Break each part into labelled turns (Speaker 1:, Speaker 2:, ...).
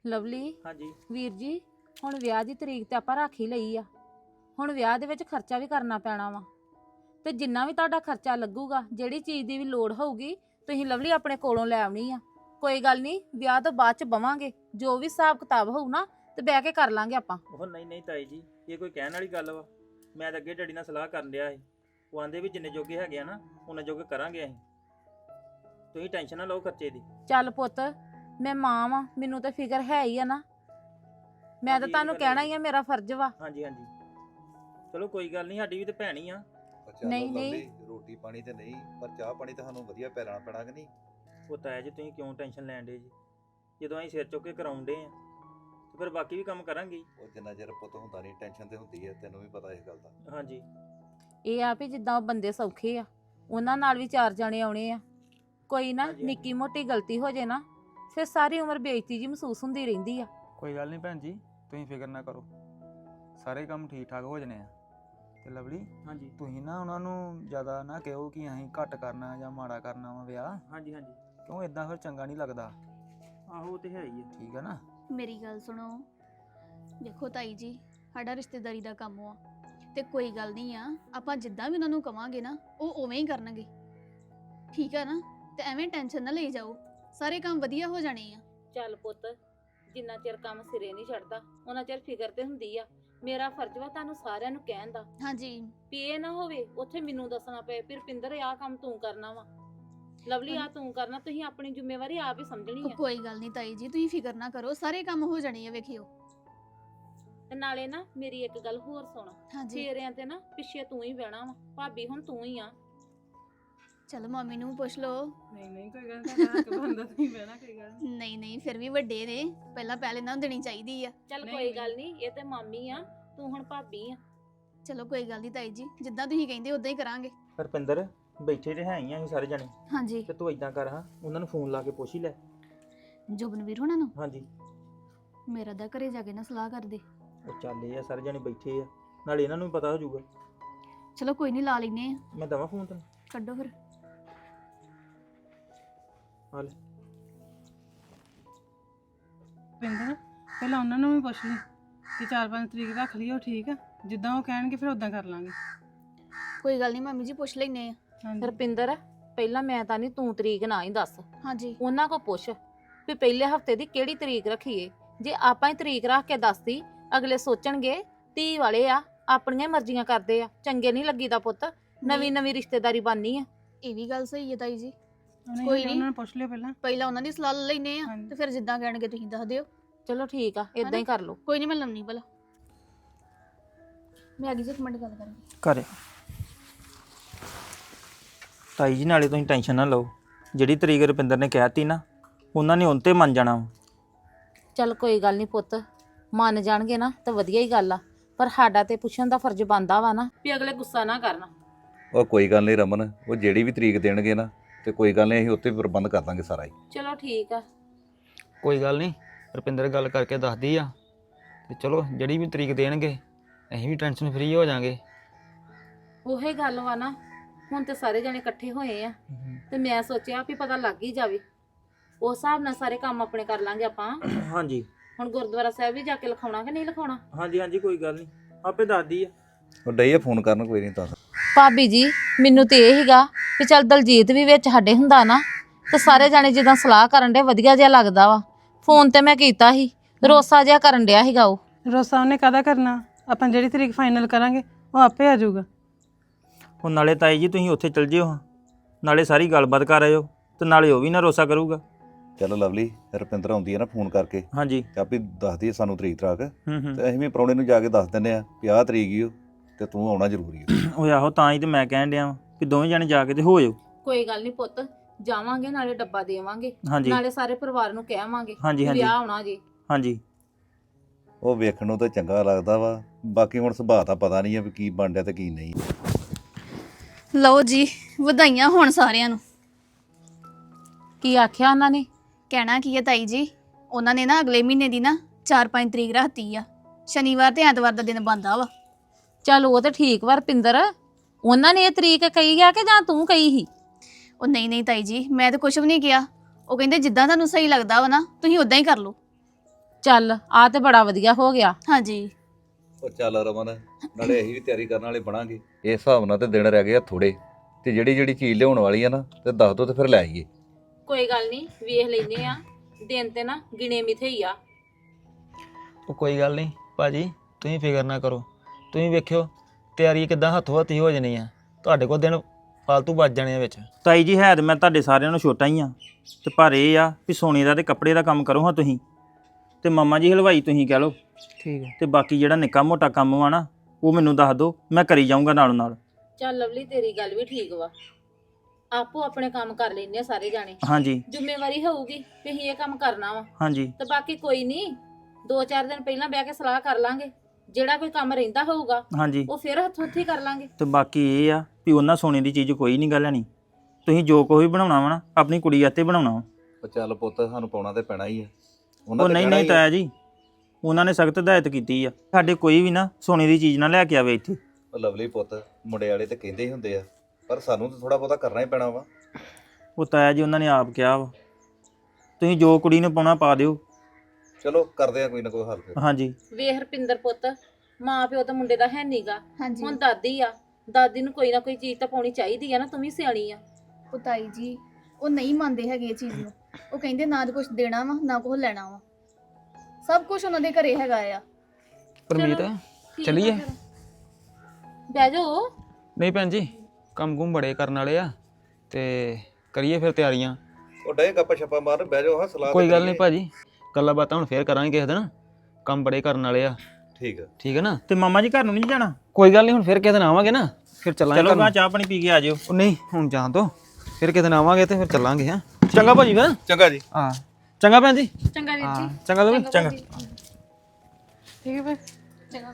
Speaker 1: Lovely
Speaker 2: ਹਾਂਜੀ
Speaker 1: ਵੀਰ ਜੀ, ਹੁਣ ਵਿਆਹ ਦੀ ਤਰੀਕ ਤੇ ਆਪਾਂ ਰੱਖ ਹੀ ਲਈ ਆ। ਹੁਣ ਵਿਆਹ ਦੇ ਵਿੱਚ ਖਰਚਾ ਵੀ ਕਰਨਾ ਪੈਣਾ ਵਾ, ਤੇ ਜਿੰਨਾ ਵੀ ਤੁਹਾਡਾ ਖਰਚਾ ਲੱਗੂਗਾ, ਜਿਹੜੀ ਚੀਜ਼ ਦੀ ਵੀ ਲੋੜ ਹੋਊਗੀ ਤੁਸੀਂ ਲਵਲੀ ਆਪਣੇ ਕੋਲੋਂ ਲੈ ਆਉਣੀ ਆ। ਕੋਈ ਗੱਲ ਨਹੀਂ, ਵਿਆਹ ਤੋਂ ਬਾਅਦ ਚ ਬਵਾਂਗੇ, ਜੋ ਵੀ ਹਿਸਾਬ ਕਿਤਾਬ ਹੋਊ ਨਾ ਤੇ ਬਹਿ ਕੇ ਕਰ ਲਾਂਗੇ ਆਪਾਂ।
Speaker 2: ਉਹ ਨਹੀਂ ਨਹੀਂ ਤਾਈ ਜੀ, ਇਹ ਕੋਈ ਕਹਿਣ ਵਾਲੀ ਗੱਲ ਵਾ। ਮੈਂ ਤਾਂ ਅੱਗੇ ਡੈਡੀ ਨਾਲ ਸਲਾਹ ਕਰਨ ਡਿਆ ਸੀ। ਉਹ ਆਂਦੇ ਵੀ ਜਿੰਨੇ ਜੋਗੇ ਹੈਗੇ ਆ ਨਾ ਉਹਨਾਂ ਜੋਗੇ ਕਰਾਂਗੇ ਅਸੀਂ। ਤੁਸੀਂ ਟੈਨਸ਼ਨ ਨਾ ਲਓ ਖਰਚੇ ਦੀ।
Speaker 1: ਚੱਲ ਪੁੱਤ, ਮੈਂ ਮਾਂ ਵਾਂ, ਮੈਨੂੰ ਤਾਂ ਫਿਕਰ ਹੈ ਹੀ ਆ ਨਾ। ਮੈਂ ਤਾਂ
Speaker 2: ਹਾਂਜੀ, ਇਹ
Speaker 1: ਤੁਹਾਨੂੰ
Speaker 2: ਗੱਲ
Speaker 1: ਕਹਿਣਾ
Speaker 2: ਹੈ
Speaker 1: ਹੀ ਆ, ਮੇਰਾ ਫਰਜ਼ ਵਾ।
Speaker 2: ਹਾਂਜੀ ਹਾਂਜੀ, ਚਲੋ ਕੋਈ ਗੱਲ ਨਹੀਂ, ਸਾਡੀ ਵੀ ਤੇ ਭੈਣ ਹੀ ਆ।
Speaker 3: ਅੱਛਾ
Speaker 1: ਨਹੀਂ,
Speaker 3: ਲਵਲੀ,
Speaker 1: ਨਹੀਂ।
Speaker 3: ਰੋਟੀ ਪਾਣੀ ਤੇ ਨਹੀਂ, ਪਰ ਚਾਹ ਪਾਣੀ ਤਾਂ ਸਾਨੂੰ ਵਧੀਆ ਪਿਲਾਣਾ ਪੈਣਾ ਕਿ ਨਹੀਂ?
Speaker 2: ਉਹ ਤਾਇਆ ਜੀ ਤੁਸੀਂ ਕਿਉਂ ਟੈਨਸ਼ਨ ਲੈਣ ਡੇ ਜੀ? ਜਦੋਂ ਅਸੀਂ ਸਿਰ ਚੁੱਕ ਕੇ ਕਰਾਉਂਦੇ ਆ ਤੇ ਫਿਰ ਬਾਕੀ ਵੀ ਕੰਮ ਕਰਾਂਗੇ ਹੀ।
Speaker 3: ਉਹ ਜਿੰਨਾ ਚਿਰ ਪੁੱਤ ਹੁੰਦਾ ਨਹੀਂ, ਟੈਨਸ਼ਨ ਤੇ ਹੁੰਦੀ ਹੈ, ਤੈਨੂੰ ਵੀ ਪਤਾ ਇਸ ਗੱਲ ਦਾ।
Speaker 2: ਹਾਂਜੀ
Speaker 1: ਇਹ ਆ ਵੀ ਜਿੱਦਾਂ ਉਹ ਬੰਦੇ ਸੌਖੇ ਆ, ਉਹਨਾਂ ਨਾਲ ਵੀ 4 ਜਣੇ ਆਉਣੇ ਆ। ਕੋਈ ਨਾ
Speaker 2: ਹਾਂਜੀ,
Speaker 1: ਨਿੱਕੀ ਮੋਟੀ ਗਲਤੀ ਹੋ ਜੇ ਨਾ, ਫਿਰ ਸਾਰੀ ਉਮਰ ਬੇਇੱਜ਼ਤੀ ਜੀ ਮਹਿਸੂਸ ਹੁੰਦੀ ਰਹਿੰਦੀ ਆ।
Speaker 4: ਕੋਈ ਗੱਲ ਨਹੀਂ ਭੈਣ ਜੀ, ਤੁਸੀਂ ਫਿਕਰ ਨਾ ਕਰੋ, ਸਾਰੇ ਕੰਮ ਠੀਕ ਠਾਕ ਹੋ ਜਾਣੇ ਆ। ਤੇ ਲਵਲੀ,
Speaker 2: ਹਾਂਜੀ
Speaker 4: ਤੁਸੀਂ ਨਾ ਉਹਨਾਂ ਨੂੰ ਜ਼ਿਆਦਾ ਨਾ ਕਹੋ ਕਿ ਅਸੀਂ ਘੱਟ ਕਰਨਾ ਜਾਂ ਮਾੜਾ ਕਰਨਾ ਵਾ ਵਿਆਹ,
Speaker 2: ਹਾਂਜੀ ਹਾਂਜੀ,
Speaker 4: ਕਿਉਂ ਇਦਾਂ ਫਿਰ ਚੰਗਾ ਨਹੀਂ ਲੱਗਦਾ।
Speaker 2: ਆਹੋ ਉਹ ਤੇ ਹੈ ਹੀ ਆ।
Speaker 4: ਠੀਕ ਹੈ ਨਾ?
Speaker 5: ਮੇਰੀ ਗੱਲ ਸੁਣੋ, ਦੇਖੋ ਤਾਈ ਜੀ, ਸਾਡਾ ਰਿਸ਼ਤੇਦਾਰੀ ਦਾ ਕੰਮ ਆ ਤੇ ਕੋਈ ਗੱਲ ਨਹੀਂ ਆ, ਆਪਾਂ ਜਿੱਦਾਂ ਵੀ ਉਹਨਾਂ ਨੂੰ ਕਵਾਂਗੇ ਨਾ ਉਹ ਉਵੇਂ ਹੀ ਕਰਨਗੇ, ਠੀਕ ਆ ਨਾ? ਤੇ ਐਵੇਂ ਟੈਨਸ਼ਨ ਨਾ ਲਈ ਜਾਓ, ਸਾਰੇ ਕੰਮ ਵਧੀਆ ਹੋ ਜਾਣੇ ਆ।
Speaker 1: ਚੱਲ ਪੁੱਤ, ਜਿੰਨਾ ਚਿਰ ਕੰਮ ਸਿਰੇ ਨਹੀਂ ਚੜਦਾ ਉਹਨਾਂ ਚਿਰ ਫਿਕਰ ਤੇ ਹੁੰਦੀ ਆ। ਮੇਰਾ ਫਰਜ਼ ਵਾ ਤੁਹਾਨੂੰ ਸਾਰਿਆਂ ਨੂੰ ਕਹਿਣ ਦਾ,
Speaker 5: ਹਾਂਜੀ
Speaker 1: ਵੀ ਇਹ ਨਾ ਹੋਵੇ ਉੱਥੇ ਮੈਨੂੰ ਦੱਸਣਾ ਪਏ ਵੀ ਰੁਪਿੰਦਰ ਆਹ ਕੰਮ ਤੂੰ ਕਰਨਾ ਵਾ, ਲਵਲੀ ਆਹ ਤੂੰ ਕਰਨਾ। ਤੁਸੀਂ ਆਪਣੀ ਜ਼ਿੰਮੇਵਾਰੀ ਆਪ ਹੀ ਸਮਝਣੀ
Speaker 5: ਉਹ
Speaker 1: ਆ।
Speaker 5: ਕੋਈ ਗੱਲ ਨਹੀਂ ਤਾਈ ਜੀ, ਤੁਸੀਂ ਫਿਕਰ ਨਾ ਕਰੋ, ਸਾਰੇ ਕੰਮ ਹੋ ਜਾਣੇ ਆ, ਵੇਖਿਓ।
Speaker 1: ਤੇ ਨਾਲੇ ਨਾ ਮੇਰੀ ਇੱਕ ਗੱਲ ਹੋਰ ਸੁਣ,
Speaker 5: ਹਾਂਜੀ
Speaker 1: ਫੇਰਿਆਂ ਤੇ ਨਾ ਪਿੱਛੇ ਤੂੰ ਹੀ ਬਹਿਣਾ ਵਾ, ਭਾਬੀ ਹੁਣ ਤੂੰ ਹੀ ਆ।
Speaker 5: ਚਲੋ ਮੰਮੀ ਨੂੰ ਪੁੱਛ ਲਓ।
Speaker 6: ਨਹੀਂ ਕੋਈ ਗੱਲ ਨਹੀਂ, ਹੱਕ ਬੰਦਾ ਤੁਸੀਂ ਬਹਿਣਾ, ਕੋਈ ਗੱਲ ਨੀ।
Speaker 5: ਨਹੀਂ ਫਿਰ ਵੀ ਵੱਡੇ ਨੇ, ਪਹਿਲਾਂ ਇਹਨਾਂ ਨੂੰ ਦੇਣੀ ਚਾਹੀਦੀ ਆ।
Speaker 1: ਚੱਲ
Speaker 6: ਨਹੀਂ,
Speaker 1: ਕੋਈ
Speaker 6: ਨਹੀਂ।
Speaker 1: ਗੱਲ ਨਹੀਂ, ਇਹ ਤੇ ਮਾਮੀ ਆ, ਤੂੰ ਹੁਣ ਭਾਬੀ ਆ।
Speaker 5: ਚਲੋ ਕੋਈ ਗੱਲ ਨਹੀਂ ਤਾਈ ਜੀ, ਜਿੱਦਾਂ ਤੁਸੀਂ ਕਹਿੰਦੇ ਉਦਾਂ ਹੀ ਕਰਾਂਗੇ।
Speaker 2: ਰੁਪਿੰਦਰ, ਬੈਠੇ ਤੇ ਹੈ ਹੀ ਆ ਅਸੀਂ ਸਾਰੇ ਜਣੇ,
Speaker 5: ਹਾਂਜੀ
Speaker 2: ਤੇ ਤੂੰ ਇਦਾਂ ਕਰ ਹਾਂ, ਉਹਨਾਂ ਨੂੰ ਫੋਨ ਲਾ ਕੇ ਪੁੱਛ ਹੀ ਲੈ।
Speaker 5: ਜੋਬਨਵੀਰ ਹੋਣਾ ਨੂੰ
Speaker 2: ਹਾਂਜੀ,
Speaker 5: ਮੇਰਾ ਦਾ ਘਰੇ ਜਾ ਕੇ ਨਾ ਸਲਾਹ ਕਰਦੇ।
Speaker 2: ਉਹ ਚੱਲ ਇਹ ਆ, ਸਾਰੇ ਜਣੇ ਬੈਠੇ ਆ, ਨਾਲੇ ਇਹਨਾਂ ਨੂੰ ਵੀ ਪਤਾ ਹੋ ਜਾਊਗਾ।
Speaker 5: ਚਲੋ ਕੋਈ ਨਹੀਂ, ਲਾ ਲੈਨੇ ਆ,
Speaker 2: ਮੈਂ ਦਵਾਂ ਫੋਨ ਤੈਨੂੰ?
Speaker 5: ਕੱਢੋ ਫਿਰ।
Speaker 2: ਆ ਲੈ।
Speaker 6: ਪਿੰਦਰ, ਪਹਿਲਾਂ ਉਹਨਾਂ ਨੂੰ ਵੀ ਪੁੱਛ ਲਈ ਕਿ 4-5 ਤਰੀਕ ਰੱਖ ਲਈਓ, ਠੀਕ ਆ? ਜਿੱਦਾਂ ਉਹ ਕਹਿਣਗੇ ਫਿਰ ਉਦਾਂ ਕਰ ਲਾਂਗੇ।
Speaker 5: ਕੋਈ ਗੱਲ ਨਹੀਂ ਮੰਮੀ ਜੀ, ਪੁੱਛ ਲੈਨੇ ਆ।
Speaker 6: ਹਾਂਜੀ
Speaker 1: ਰੁਪਿੰਦਰ, ਪਹਿਲਾਂ ਮੈਂ ਤਾਂ ਨਹੀਂ, ਤੂੰ ਤਰੀਕ ਨਾ ਹੀ ਦੱਸ,
Speaker 5: ਹਾਂਜੀ
Speaker 1: ਉਹਨਾਂ ਕੋ ਪੁੱਛ ਵੀ ਪਹਿਲੇ ਹਫਤੇ ਦੀ ਕਿਹੜੀ ਤਰੀਕ ਰੱਖੀਏ। ਜੇ ਆਪਾਂ ਹੀ ਤਰੀਕ ਰੱਖ ਕੇ ਦੱਸਦੀ, ਅਗਲੇ ਸੋਚਣਗੇ ਧੀ ਵਾਲੇ ਆ, ਆਪਣੀਆਂ ਹੀ ਮਰਜ਼ੀਆਂ ਕਰਦੇ ਆ, ਚੰਗੇ ਨਹੀਂ ਲੱਗੀਦਾ ਪੁੱਤ। ਨਵੀਂ ਨਵੀਂ ਰਿਸ਼ਤੇਦਾਰੀ ਬਣਨੀ ਆ।
Speaker 5: ਇਹ ਵੀ ਗੱਲ ਸਹੀ ਹੈ ਤਾਈ ਜੀ,
Speaker 6: ਕੋਈ
Speaker 5: ਕੋਈ
Speaker 6: ਨਹੀਂ,
Speaker 5: ਨੀ।
Speaker 6: ਉਹਨਾਂ ਨੂੰ ਪੁੱਛ ਲਿਓ ਪਹਿਲਾਂ।
Speaker 5: ਪਹਿਲਾਂ ਉਹਨਾਂ ਦੀ ਸਲਾਹ ਲੈ ਲੈਨੇ ਆ,
Speaker 6: ਹਾਂਜੀ।
Speaker 5: ਤੇ ਫਿਰ ਜਿੱਦਾਂ ਕਹਿਣਗੇ ਤੁਸੀਂ ਦੱਸ ਦਿਓ।
Speaker 1: ਚਲੋ ਠੀਕ ਆ, ਇਦਾਂ ਹੀ ਕਰ ਲਓ।
Speaker 5: ਕੋਈ ਨਹੀਂ, ਮੈਂ ਲੰਮੀ ਭਲਾ। ਮੈਂ ਆ ਗਈ ਜੀ, ਇੱਕ ਮਿੰਟ ਗੱਲ ਕਰਾਂਗੀ।
Speaker 2: ਘਰੇ ਤਾਈ ਜੀ, ਨਾਲੇ ਤੁਸੀਂ ਟੈਨਸ਼ਨ ਨਾ ਲਓ, ਜਿਹੜੀ ਤਰੀਕ ਰੁਪਿੰਦਰ ਨੇ ਕਹਿਤੀ ਨਾ, ਉਹਨਾਂ ਨੇ ਉਹਨਾਂ ਤੇ ਮੰਨ ਜਾਣਾ ਵਾ।
Speaker 1: ਚੱਲ ਕੋਈ ਗੱਲ ਨਹੀਂ ਪੁੱਤ, ਮੰਨ ਜਾਣਗੇ ਨਾ ਤਾਂ ਵਧੀਆ ਹੀ ਗੱਲ ਆ, ਪਰ ਸਾਡਾ ਤੇ ਪੁੱਛਣ ਦਾ ਫਰਜ਼ ਬਣਦਾ ਵਾ ਨਾ ਵੀ ਅਗਲੇ ਗੁੱਸਾ ਨਾ ਕਰਨ।
Speaker 3: ਉਹ ਕੋਈ ਗੱਲ ਨਹੀਂ ਰਮਨ, ਉਹ ਜਿਹੜੀ ਵੀ ਤਰੀਕ ਦੇਣਗੇ ਨਾ, ਤੇ ਕੋਈ ਗੱਲ ਨਹੀਂ, ਅਸੀਂ ਉੱਤੇ ਪ੍ਰਬੰਧ ਕਰ ਦਾਂਗੇ ਸਾਰਾ ਹੀ।
Speaker 1: ਚਲੋ ਠੀਕ ਆ।
Speaker 4: ਕੋਈ ਗੱਲ ਨਹੀਂ, ਰੁਪਿੰਦਰ ਗੱਲ ਕਰਕੇ ਦੱਸਦੀ ਆ, ਤੇ ਚਲੋ ਜਿਹੜੀ ਵੀ ਤਰੀਕ ਦੇਣਗੇ ਅਸੀਂ ਵੀ ਟੈਨਸ਼ਨ ਫਰੀ ਹੋ ਜਾਾਂਗੇ।
Speaker 1: ਉਹੀ ਗੱਲ ਵਾ ਨਾ, ਹੁਣ ਤੇ ਸਾਰੇ ਜਣੇ ਇਕੱਠੇ ਹੋਏ ਆ, ਤੇ ਮੈਂ ਸੋਚਿਆ ਵੀ ਪਤਾ ਲੱਗ ਹੀ ਜਾਵੇ, ਉਸ ਹਿਸਾਬ ਨਾਲ ਸਾਰੇ ਕੰਮ ਆਪਣੇ ਕਰ ਲਾਂਗੇ ਆਪਾਂ।
Speaker 2: ਹਾਂਜੀ
Speaker 1: ਹੁਣ ਗੁਰਦੁਆਰਾ ਸਾਹਿਬ ਵੀ ਜਾ ਕੇ ਲਿਖਾਉਣਾ ਕਿ ਨਹੀਂ ਲਿਖਾਉਣਾ?
Speaker 2: ਹਾਂਜੀ ਹਾਂਜੀ, ਕੋਈ ਗੱਲ ਨਹੀਂ, ਆਪੇ ਦੱਸਦੀ ਆ।
Speaker 3: ਉਹ ਡਈ ਆ ਫੋਨ ਕਰਨ, ਕੋਈ ਨਹੀਂ ਦੱਸ।
Speaker 1: ਭਾਬੀ ਜੀ, ਮੈਨੂੰ ਤੇ ਇਹ ਹੀਗਾ ਵੀ ਚੱਲ ਦਲਜੀਤ ਵੀ ਵਿੱਚ ਸਾਡੇ ਹੁੰਦਾ ਨਾ, ਤੇ ਸਾਰੇ ਜਾਣੇ ਜਿੱਦਾਂ ਸਲਾਹ ਕਰਨ ਦੇ ਵਧੀਆ ਜਿਹਾ ਲੱਗਦਾ ਵਾ। ਫੋਨ ਤੇ ਮੈਂ ਕੀਤਾ ਸੀ, ਰੋਸਾ ਜਿਹਾ ਕਰਨ ਡਿਆ ਸੀਗਾ ਉਹ।
Speaker 6: ਰੋਸਾ ਉਹਨੇ ਕਾਹਦਾ ਕਰਨਾ, ਆਪਾਂ ਜਿਹੜੀ ਤਰੀਕ ਫਾਈਨਲ ਕਰਾਂਗੇ ਉਹ ਆਪੇ ਆ ਜਾਊਗਾ।
Speaker 2: ਹੁਣ ਨਾਲੇ ਤਾਈ ਜੀ ਤੁਸੀਂ ਉੱਥੇ ਚਲ ਜਿਓ, ਨਾਲੇ ਸਾਰੀ ਗੱਲਬਾਤ ਕਰ ਆਇਓ, ਤੇ ਨਾਲੇ ਉਹ ਵੀ ਨਾ ਰੋਸਾ ਕਰੂਗਾ।
Speaker 3: ਚਲੋ ਲਵਲੀ, ਰੁਪਿੰਦਰ ਆਉਂਦੀ ਹੈ ਨਾ ਫੋਨ ਕਰਕੇ,
Speaker 2: ਹਾਂਜੀ
Speaker 3: ਤੇ ਆਪੇ ਦੱਸਦੀ ਹੈ ਸਾਨੂੰ ਤਰੀਕ ਤਰਾਕ,
Speaker 2: ਹੂੰ
Speaker 3: ਤੇ ਅਸੀਂ ਵੀ ਪ੍ਰਾਹੁਣੇ ਨੂੰ ਜਾ ਕੇ ਦੱਸ ਦਿੰਦੇ ਆ ਵੀ ਆਹ ਤਰੀਕ ਹੀ ਉਹ, ਤੇ ਤੂੰ ਆਉਣਾ ਜ਼ਰੂਰੀ ਹੈ।
Speaker 2: ਉਹ ਆਹੋ, ਤਾਂ ਹੀ ਤੇ ਮੈਂ ਕਹਿਣ ਡਿਆ ਵਾਂ ਕਿ ਦੋਵੇਂ ਜਣੇ ਜਾ ਕੇ ਤੇ ਹੋ ਜਾਓ।
Speaker 1: ਕੋਈ ਗੱਲ ਨਹੀਂ ਪੁੱਤ, ਜਾਵਾਂਗੇ, ਨਾਲੇ ਡੱਬਾ ਦੇਵਾਂਗੇ,
Speaker 2: ਹਾਂਜੀ
Speaker 1: ਨਾਲੇ ਸਾਰੇ ਪਰਿਵਾਰ ਨੂੰ ਕਹਾਂਗੇ
Speaker 2: ਹਾਂਜੀ ਹਾਂਜੀ
Speaker 1: ਵਿਆਹ ਆਉਣਾ ਜੀ।
Speaker 2: ਹਾਂਜੀ,
Speaker 3: ਉਹ ਵੇਖਣ ਨੂੰ ਤਾਂ ਚੰਗਾ ਲੱਗਦਾ ਵਾ, ਬਾਕੀ ਹੁਣ ਸੁਭਾਅ ਦਾ ਪਤਾ ਨਹੀਂ ਆ ਵੀ ਕੀ ਬਣ ਰਿਹਾ ਤੇ ਕੀ ਨਹੀਂ।
Speaker 5: ਲਓ ਜੀ, ਵਧਾਈਆਂ ਹੋਣ ਸਾਰਿਆਂ ਨੂੰ।
Speaker 1: ਕੀ ਆਖਿਆ ਉਹਨਾਂ ਨੇ?
Speaker 5: ਕਹਿਣਾ ਕੀ ਹੈ ਤਾਈ ਜੀ, ਉਹਨਾਂ ਨੇ ਨਾ ਅਗਲੇ ਮਹੀਨੇ ਦੀ ਨਾ 4-5 ਤਰੀਕ ਰੱਖਤੀ ਆ, ਸ਼ਨੀਵਾਰ ਤੇ ਐਤਵਾਰ ਦਾ ਦਿਨ ਬੰਦਾ ਵਾ।
Speaker 1: ਚੱਲ ਉਹ ਤੇ ਠੀਕ ਵਾ ਰੁਪਿੰਦਰ, ਉਹਨਾਂ ਨੇ ਇਹ ਤਰੀਕ ਕਹੀ ਆ ਕਿ ਜਾਂ ਤੂੰ ਕਹੀ ਸੀ?
Speaker 5: ਉਹ ਨਹੀਂ ਤਾਈ ਜੀ, ਮੈਂ ਤਾਂ ਕੁਝ ਵੀ ਨਹੀਂ ਕਿਹਾ। ਉਹ ਕਹਿੰਦੇ ਜਿੱਦਾਂ ਤੁਹਾਨੂੰ ਸਹੀ ਲੱਗਦਾ ਵਾ ਨਾ, ਤੁਸੀਂ ਉਦਾਂ ਹੀ ਕਰ ਲਓ।
Speaker 1: ਚੱਲ ਆ ਤੇ ਬੜਾ ਵਧੀਆ ਹੋ ਗਿਆ।
Speaker 5: ਹਾਂਜੀ
Speaker 3: ਉਹ ਚੱਲ ਰਮਨ, ਨਾਲੇ ਅਸੀਂ ਵੀ ਤਿਆਰੀ ਕਰਨ ਵਾਲੇ ਬਣਾਂਗੇ। ਇਸ ਹਿਸਾਬ ਨਾਲ ਤੇ ਦਿਨ ਰਹਿ ਗਏ ਆ ਥੋੜੇ, ਤੇ ਜਿਹੜੀ ਜਿਹੜੀ ਚੀਜ਼ ਲਿਆਉਣ ਵਾਲੀ ਆ ਨਾ ਤੇ ਦੱਸ ਦੋ ਤੇ ਫਿਰ ਲੈ ਆਈਏ।
Speaker 1: ਕੋਈ ਗੱਲ ਨਹੀਂ, ਵੇਖ ਲੈਨੇ ਆ। ਦਿਨ ਤੇ ਨਾ ਗਿਣੇ ਮਿਥੇ ਹੀ ਆ।
Speaker 4: ਉਹ ਕੋਈ ਗੱਲ ਨਹੀਂ ਭਾਜੀ, ਤੁਸੀਂ ਫਿਕਰ ਨਾ ਕਰੋ। ਤੁਸੀਂ ਵੇਖਿਓ ਤਿਆਰੀ ਕਿੱਦਾਂ ਹੱਥੋਂ ਹੱਥੀ ਹੋ ਜਾਣੀ ਆ। ਤੁਹਾਡੇ ਕੋਲ ਦਿਨ ਫਾਲਤੂ ਵੱਜ ਜਾਣੇ ਆ ਵਿੱਚ।
Speaker 2: ਤਾਈ ਜੀ ਹੈ ਤੇ ਮੈਂ ਤੁਹਾਡੇ ਸਾਰਿਆਂ ਨੂੰ ਛੋਟਾ ਹੀ ਆ, ਤੇ ਪਰ ਇਹ ਆ ਵੀ ਸੋਨੇ ਦਾ ਤੇ ਕੱਪੜੇ ਦਾ ਕੰਮ ਕਰੋ ਹਾਂ ਤੁਸੀਂ, ਤੇ ਮੰਮਾ ਜੀ ਹਲਵਾਈ ਤੁਸੀਂ ਕਹਿ ਲਓ।
Speaker 4: ਠੀਕ ਹੈ।
Speaker 2: ਤੇ ਬਾਕੀ ਜਿਹੜਾ ਨਿੱਕਾ ਮੋਟਾ ਕੰਮ ਵਾ ਨਾ ਉਹ ਮੈਨੂੰ ਦੱਸ ਦਿਓ, ਮੈਂ ਕਰੀ ਜਾਊਂਗਾ ਨਾਲੋਂ ਨਾਲ।
Speaker 1: ਚੱਲ ਲਵਲੀ, ਤੇਰੀ ਗੱਲ ਵੀ ਠੀਕ ਵਾ। ਆਪੋ ਆਪਣੇ ਕੰਮ ਕਰ ਲੈਨੇ ਆ ਸਾਰੇ ਜਾਣੇ।
Speaker 2: ਹਾਂਜੀ
Speaker 1: ਜ਼ਿੰਮੇਵਾਰੀ ਹੋਊਗੀ ਵੀ ਅਸੀਂ ਇਹ ਕੰਮ ਕਰਨਾ ਵਾ,
Speaker 2: ਹਾਂਜੀ
Speaker 1: ਤੇ ਬਾਕੀ ਕੋਈ ਨਹੀਂ, 2-4 ਦਿਨ ਪਹਿਲਾਂ ਬਹਿ ਕੇ ਸਲਾਹ ਕਰ ਲਾਂਗੇ। ਜਿਹੜਾ ਕੋਈ ਕੰਮ ਰਹਿੰਦਾ ਹੋਊਗਾ
Speaker 2: ਹਾਂਜੀ।
Speaker 1: ਉਹ ਫਿਰ ਹੱਥੋਂ ਹੱਥੀ ਕਰ ਲਾਂਗੇ।
Speaker 2: ਤੇ ਬਾਕੀ ਇਹ ਆ ਵੀ ਉਹਨਾਂ ਸੋਨੇ ਦੀ ਚੀਜ਼ ਕੋਈ ਨਹੀਂ ਗੱਲ ਲੈਣੀ। ਤੁਸੀਂ ਜੋ ਕੋਈ ਵੀ ਬਣਾਉਣਾ ਵਾ ਨਾ ਆਪਣੀ ਕੁੜੀ ਵਾਸਤੇ ਬਣਾਉਣਾ ਵਾ।
Speaker 3: ਉਹ ਚੱਲ ਪੁੱਤ, ਸਾਨੂੰ ਪਾਉਣਾ ਤੇ ਪੈਣਾ ਹੀ ਆ।
Speaker 2: ਉਹ
Speaker 3: ਤੇ
Speaker 2: ਨਹੀਂ
Speaker 3: ਕਹਿਣਾ
Speaker 2: ਨਹੀਂ
Speaker 3: ਹੀ ਆ।
Speaker 2: ਤਾਇਆ ਜੀ, ਉਹਨਾਂ ਨੇ ਸਖਤ ਹਦਾਇਤ ਕੀਤੀ ਆ ਸਾਡੇ ਕੋਈ ਵੀ ਨਾ ਸੋਨੇ ਦੀ ਚੀਜ਼ ਨਾ ਲੈ ਕੇ ਆਵੇ ਇੱਥੇ।
Speaker 3: ਉਹ ਲਵਲੀ ਪੁੱਤ, ਮੁੰਡੇ ਵਾਲੇ ਤੇ ਕਹਿੰਦੇ ਹੀ ਹੁੰਦੇ ਆ, ਪਰ ਸਾਨੂੰ ਤਾਂ ਥੋੜਾ ਬਹੁਤਾ ਕਰਨਾ ਹੀ ਪੈਣਾ ਵਾ।
Speaker 2: ਉਹ ਤਾਇਆ ਜੀ ਉਹਨਾਂ ਨੇ ਆਪ ਕਿਹਾ ਵਾ, ਤੁਸੀਂ ਜੋ ਕੁੜੀ ਨੂੰ ਪਾਉਣਾ ਪਾ ਦਿਓ।
Speaker 3: ਚਲੋ ਕਰਦੇ ਆ ਕੋਈ ਨਾ ਕੋਈ ਹੱਲ ਫਿਰ।
Speaker 2: ਹਾਂਜੀ
Speaker 1: ਵੇਖ ਰਪਿੰਦਰ ਪੁੱਤ, ਮਾਂ ਪਿਓ ਤਾਂ ਮੁੰਡੇ ਦਾ ਹੈ ਨੀਗਾ।
Speaker 5: ਹਾਂਜੀ
Speaker 1: ਹੁਣ ਦਾਦੀ ਆ, ਦਾਦੀ ਨੂੰ ਕੋਈ ਨਾ ਕੋਈ ਚੀਜ਼ ਤਾਂ ਪਾਉਣੀ ਚਾਹੀਦੀ ਆ ਨਾ। ਤੂੰ ਵੀ ਸਿਆਣੀ ਆ।
Speaker 5: ਉਹ ਤਾਈ ਜੀ ਉਹ ਨਹੀਂ ਮੰਨਦੇ ਹੈਗੇ ਇਹ ਚੀਜ਼ ਨੂੰ। ਉਹ ਕਹਿੰਦੇ ਨਾ ਤਾਂ ਕੁਝ ਦੇਣਾ ਵਾ ਨਾ ਕੁਝ ਲੈਣਾ ਵਾ, ਸਭ ਕੁਝ ਉਹਨਾਂ ਦੇ ਘਰੇ ਹੈਗਾ ਆ।
Speaker 4: ਪਰਮੀਤ
Speaker 1: ਠੀਕ
Speaker 4: ਚੱਲੀਏ?
Speaker 1: ਆ ਫਿਰ। ਬਹਿ ਜਾਓ।
Speaker 4: ਨਹੀਂ ਭੈਣ ਜੀ, ਕੰਮ ਕੁਮ ਬੜੇ ਕਰਨ ਵਾਲੇ ਆ, ਤੇ ਕਰੀਏ ਫਿਰ ਤਿਆਰੀਆਂ।
Speaker 3: ਉਹ ਡੇ ਗੱਪਾ ਛੱਪਾ ਮਾਰ, ਬਹਿ ਜਾਓ ਹਾਂ ਸਲਾਹ
Speaker 4: ਕੋਈ
Speaker 3: ਤੇ
Speaker 4: ਗੱਲ ਨਹੀਂ
Speaker 3: ਕਰੀਏ।
Speaker 4: ਭਾਜੀ, ਗੱਲਾਂ ਬਾਤਾਂ ਹੁਣ ਫੇਰ ਕਰਾਂਗੇ ਕਿਸੇ ਦਿਨ। ਕੰਮ ਬੜੇ ਕਰਨ ਵਾਲੇ ਆ।
Speaker 3: ਠੀਕ ਆ।
Speaker 4: ਠੀਕ ਹੈ ਨਾ?
Speaker 2: ਤੇ ਮਾਮਾ ਜੀ ਘਰ ਨੂੰ ਨਹੀਂ ਜਾਣਾ?
Speaker 4: ਕੋਈ ਗੱਲ ਨਹੀਂ, ਹੁਣ ਫੇਰ ਕਿਸੇ ਦਿਨ ਆਵਾਂਗੇ ਨਾ, ਫਿਰ ਚੱਲਾਂਗੇ
Speaker 2: ਚਲੋ
Speaker 4: ਘਰ ਨੂੰ।
Speaker 2: ਗਾ ਚਾਹ ਪਾਣੀ ਪੀ ਕੇ ਆ ਜਿਓ।
Speaker 4: ਉਹ ਨਹੀਂ, ਹੁਣ ਜਾਣ ਦੋ, ਫਿਰ ਕਿਸੇ ਦਿਨ ਆਵਾਂਗੇ ਤੇ ਫਿਰ ਚੱਲਾਂਗੇ। ਹਾਂ ਚੰਗਾ ਭਾਜੀ ਫਿਰ।
Speaker 3: ਚੰਗਾ ਜੀ।
Speaker 4: ਹਾਂ ਚੰਗਾ ਭੈਣ ਜੀ।
Speaker 1: ਚੰਗਾ ਵੀਰ
Speaker 4: ਹਾਂ
Speaker 1: ਜੀ।
Speaker 4: ਚੰਗਾ ਲਵੀ।
Speaker 2: ਚੰਗਾ।
Speaker 6: ਠੀਕ ਹੈ ਫਿਰ।
Speaker 5: ਚੰਗਾ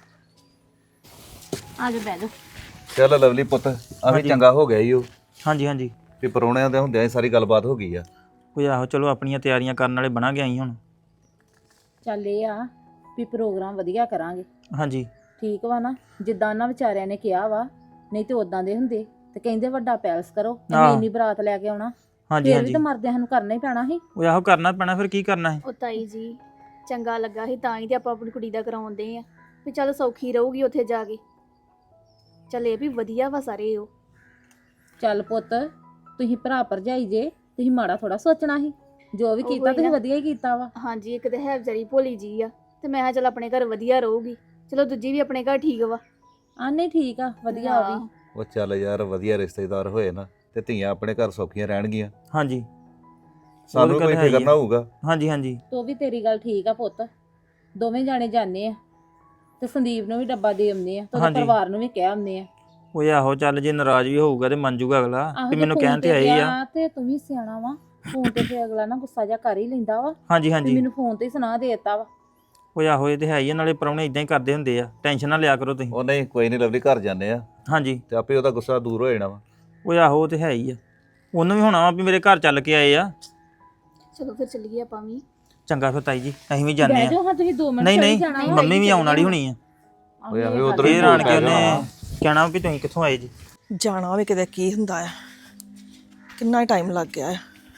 Speaker 1: ਆ ਜਾ, ਬਹਿ ਜਾਓ।
Speaker 3: ਚੱਲ ਲਵਲੀ ਪੁੱਤ, ਆ ਵੀ ਚੰਗਾ ਹੋ ਗਿਆ ਈ ਉਹ,
Speaker 2: ਹਾਂਜੀ ਹਾਂਜੀ।
Speaker 3: ਵੀ ਪਰੌਣਿਆਂ ਦੇ ਹੁੰਦਿਆਂ ਹੀ ਸਾਰੀ ਗੱਲਬਾਤ ਹੋ ਗਈ ਆ।
Speaker 2: ਕੋਈ ਆਹੋ, ਚਲੋ ਆਪਣੀਆਂ ਤਿਆਰੀਆਂ ਕਰਨ ਵਾਲੇ ਬਣਾ ਗਿਆ ਅਸੀਂ ਹੁਣ।
Speaker 1: ਚੱਲ ਇਹ ਆ ਵੀ ਪ੍ਰੋਗਰਾਮ ਵਧੀਆ ਕਰਾਂਗੇ।
Speaker 2: ਹਾਂਜੀ
Speaker 1: ਠੀਕ ਵਾ ਨਾ? ਜਿੱਦਾਂ ਉਹਨਾਂ ਵਿਚਾਰਿਆਂ ਨੇ ਕਿਹਾ ਵਾ, ਨਹੀਂ ਤੇ ਉਦਾਂ ਦੇ ਹੁੰਦੇ ਤੇ ਕਹਿੰਦੇ ਵੱਡਾ ਪੈਲਸ ਕਰੋ, ਅਸੀਂ
Speaker 2: ਆਹ।
Speaker 1: ਇੰਨੀ ਬਰਾਤ ਲੈ ਕੇ ਆਉਣਾ।
Speaker 2: ਹਾਂਜੀ
Speaker 1: ਫਿਰ ਵੀ
Speaker 2: ਹਾਂਜੀ।
Speaker 1: ਤਾਂ ਮਰਦਿਆਂ ਸਾਨੂੰ ਕਰਨਾ ਹੀ ਪੈਣਾ ਸੀ।
Speaker 2: ਉਹ ਆਹੋ ਕਰਨਾ ਪੈਣਾ, ਫਿਰ ਕੀ ਕਰਨਾ ਹੈ।
Speaker 5: ਉਹ ਤਾਈ ਜੀ ਚੰਗਾ ਲੱਗਾ ਸੀ ਤਾਂ ਹੀ ਤੇ ਆਪਾਂ ਆਪਣੀ ਕੁੜੀ ਦਾ ਕਰਾਉਂਦੇ ਆ ਵੀ ਚੱਲ ਸੌਖੀ ਰਹੂਗੀ ਉੱਥੇ ਜਾ ਕੇ। ਚੱਲ ਇਹ ਵੀ ਵਧੀਆ ਵਾ ਸਾਰੇ ਉਹ।
Speaker 1: ਚੱਲ ਪੁੱਤ, ਤੁਸੀਂ ਭਰਾ ਭਰਜਾਈ ਜੇ, ਤੁਸੀਂ ਮਾੜਾ ਥੋੜਾ ਸੋਚਣਾ ਸੀ। ਜੋ ਵੀ
Speaker 5: ਉਹੀ
Speaker 1: ਕੀਤਾ ਤੁਸੀਂ
Speaker 5: ਨਾ।
Speaker 1: ਵਧੀਆ ਹੀ ਕੀਤਾ ਵਾ।
Speaker 5: ਹਾਂਜੀ ਇੱਕ ਤੇ ਹੈ ਵਿਚਾਰੀ ਭੋਲੀ ਜੀ ਆ, ਤੇ ਮੈਂ ਕਿਹਾ ਚੱਲ ਆਪਣੇ ਘਰ ਵਧੀਆ ਰਹੂਗੀ। ਚਲੋ ਦੂਜੀ ਵੀ ਆਪਣੇ ਘਰ ਠੀਕ ਵਾ।
Speaker 1: ਆ ਨਹੀਂ ਠੀਕ ਆ, ਵਧੀਆ ਉਹ ਵੀ।
Speaker 3: ਉਹ ਚੱਲ ਯਾਰ, ਵਧੀਆ ਰਿਸ਼ਤੇਦਾਰ ਹੋਏ ਨਾ ਤੇ ਧੀਆਂ ਆਪਣੇ ਘਰ ਸੌਖੀਆਂ ਰਹਿਣਗੀਆਂ।
Speaker 2: ਹਾਂਜੀ
Speaker 3: ਸਾਨੂੰ
Speaker 2: ਉਹ
Speaker 3: ਕੋਈ
Speaker 2: ਗੱਲ ਹੈ ਹੀ
Speaker 3: ਫਿਕਰ ਨਾ
Speaker 2: ਆ।
Speaker 3: ਹੋਊਗਾ।
Speaker 2: ਹਾਂਜੀ ਹਾਂਜੀ।
Speaker 1: ਤੋ ਵੀ ਤੇਰੀ ਗੱਲ ਠੀਕ ਆ ਪੁੱਤ। ਦੋਵੇਂ ਜਾਣੇ ਜਾਂਦੇ ਆ ਤੇ ਸੰਦੀਪ ਨੂੰ ਵੀ ਡੱਬਾ ਦੇ ਆਉਂਦੇ ਆ ਤੇ ਉਹਦੇ
Speaker 2: ਹਾਂਜੀ।
Speaker 1: ਪਰਿਵਾਰ ਨੂੰ ਵੀ ਕਹਿ ਆਉਂਦੇ ਆ।
Speaker 2: ਉਹ ਆਹੋ, ਚੱਲ ਜੇ ਨਾਰਾਜ਼ ਵੀ ਹੋਊਗਾ ਤੇ ਮੰਨ ਜੂਗਾ ਅਗਲਾ
Speaker 1: ਆਹੋ
Speaker 2: ਕਿ
Speaker 1: ਜੇ
Speaker 2: ਮੈਨੂੰ
Speaker 1: ਫੋਨ
Speaker 2: ਕਹਿਣ ਤੇ ਆਈ ਆ।
Speaker 1: ਗਿਆ ਤੇ ਤੂੰ ਵੀ ਸਿਆਣਾ ਵਾ। ਫੋਨ ਤੇ ਫਿਰ ਅਗਲਾ ਨਾ ਗੁੱਸਾ ਜਿਹਾ ਕਰ ਹੀ ਲੈਂਦਾ ਵਾ
Speaker 2: ਹਾਂਜੀ
Speaker 1: ਵੀ
Speaker 2: ਹਾਂਜੀ।
Speaker 1: ਮੈਨੂੰ ਫੋਨ ਤੇ ਹੀ ਸੁਣਾ ਦੇਤਾ ਵਾ।
Speaker 2: ਉਹ ਆਹੋ, ਇਹ ਤੇ ਹੈ ਹੀ ਆ, ਨਾਲੇ ਪ੍ਰਾਹੁਣੇ ਇਦਾਂ ਹੀ ਕਰਦੇ ਹੁੰਦੇ ਆ। ਟੈਨਸ਼ਨ ਨਾ ਲਿਆ ਕਰੋ ਤੁਸੀਂ।
Speaker 3: ਉਹ ਨਹੀਂ, ਕੋਈ ਨਹੀਂ ਲਵਲੀ, ਘਰ ਜਾਂਦੇ ਆ
Speaker 2: ਹਾਂਜੀ
Speaker 3: ਤੇ ਆਪੇ ਉਹਦਾ ਗੁੱਸਾ ਦੂਰ ਹੋ ਜਾਣਾ ਵਾ।
Speaker 2: ਉਹ ਆਹੋ, ਉਹ ਤੇ ਹੈ ਹੀ ਆ। ਉਹਨੂੰ ਵੀ ਹੋਣਾ ਵਾ ਵੀ ਮੇਰੇ ਘਰ ਚੱਲ ਕੇ ਆਏ ਆ।
Speaker 5: ਚਲੋ ਫਿਰ ਚੱਲੀਏ ਆਪਾਂ ਵੀ।
Speaker 2: ਚੰਗਾ ਫਿਰ ਤਾਈ ਜੀ, ਅਸੀਂ ਵੀ ਜਾਂਦੇ
Speaker 1: ਬਹਿ
Speaker 2: ਆ।
Speaker 1: ਜਾਓ ਹਾਂ, ਤੁਸੀਂ 2 ਮਿੰਟ
Speaker 2: ਨਹੀਂ
Speaker 1: ਚਲੀ
Speaker 2: ਨਹੀਂ,
Speaker 1: ਜਾਣਾ ਵਾ।
Speaker 2: ਮੰਮੀ ਵੀ ਆਉਣ ਵਾਲੀ ਹੋਣੀ ਆ।
Speaker 3: ਓਏ ਆਹੋ,
Speaker 1: ਇਹ
Speaker 3: ਉੱਧਰ
Speaker 1: ਗੱਲ
Speaker 3: ਹੀ
Speaker 2: ਫੇਰ
Speaker 3: ਭੁੱਲ
Speaker 2: ਆਣ ਕੇ
Speaker 3: ਪੈ
Speaker 2: ਉਹਨੇ
Speaker 3: ਜਾਣਾ।
Speaker 2: ਕਹਿਣਾ ਵੀ ਤੁਸੀਂ ਕਿੱਥੋਂ ਆਏ ਜੀ।
Speaker 7: ਜਾਣਾ ਵੀ ਕਿਤੇ ਕੀ ਹੁੰਦਾ ਆ, ਕਿੰਨਾ ਟਾਈਮ ਲੱਗ ਗਿਆ ਆ,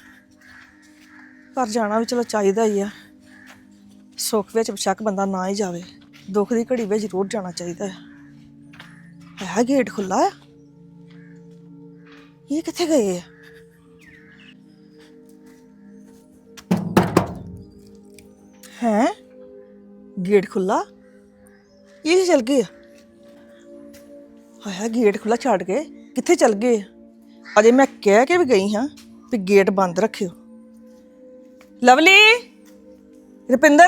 Speaker 7: ਪਰ ਜਾਣਾ ਵੀ ਚਲੋ ਚਾਹੀਦਾ ਹੀ ਆ। ਸੁੱਖ ਵਿੱਚ ਬੇਸ਼ੱਕ ਬੰਦਾ ਨਾ ਹੀ ਜਾਵੇ, ਦੁੱਖ ਦੀ ਘੜੀ ਵਿੱਚ ਜ਼ਰੂਰ ਜਾਣਾ ਚਾਹੀਦਾ ਹੈ ਗੇਟ ਖੁੱਲਾ ਆ, ਇਹ ਕਿੱਥੇ ਗਏ ਆ? ਹੈ ਗੇਟ ਖੁੱਲਾ, ਇਹ ਚਲ ਗਏ ਆ? ਹਾਇਆ ਗੇਟ ਖੁੱਲਾ ਛੱਡ ਕੇ ਕਿੱਥੇ ਚਲ ਗਏ? ਅਜੇ ਮੈਂ ਕਹਿ ਕੇ ਵੀ ਗਈ ਹਾਂ ਵੀ ਗੇਟ ਬੰਦ ਰੱਖਿਓ। ਲਵਲੀ, ਰੁਪਿੰਦਰ,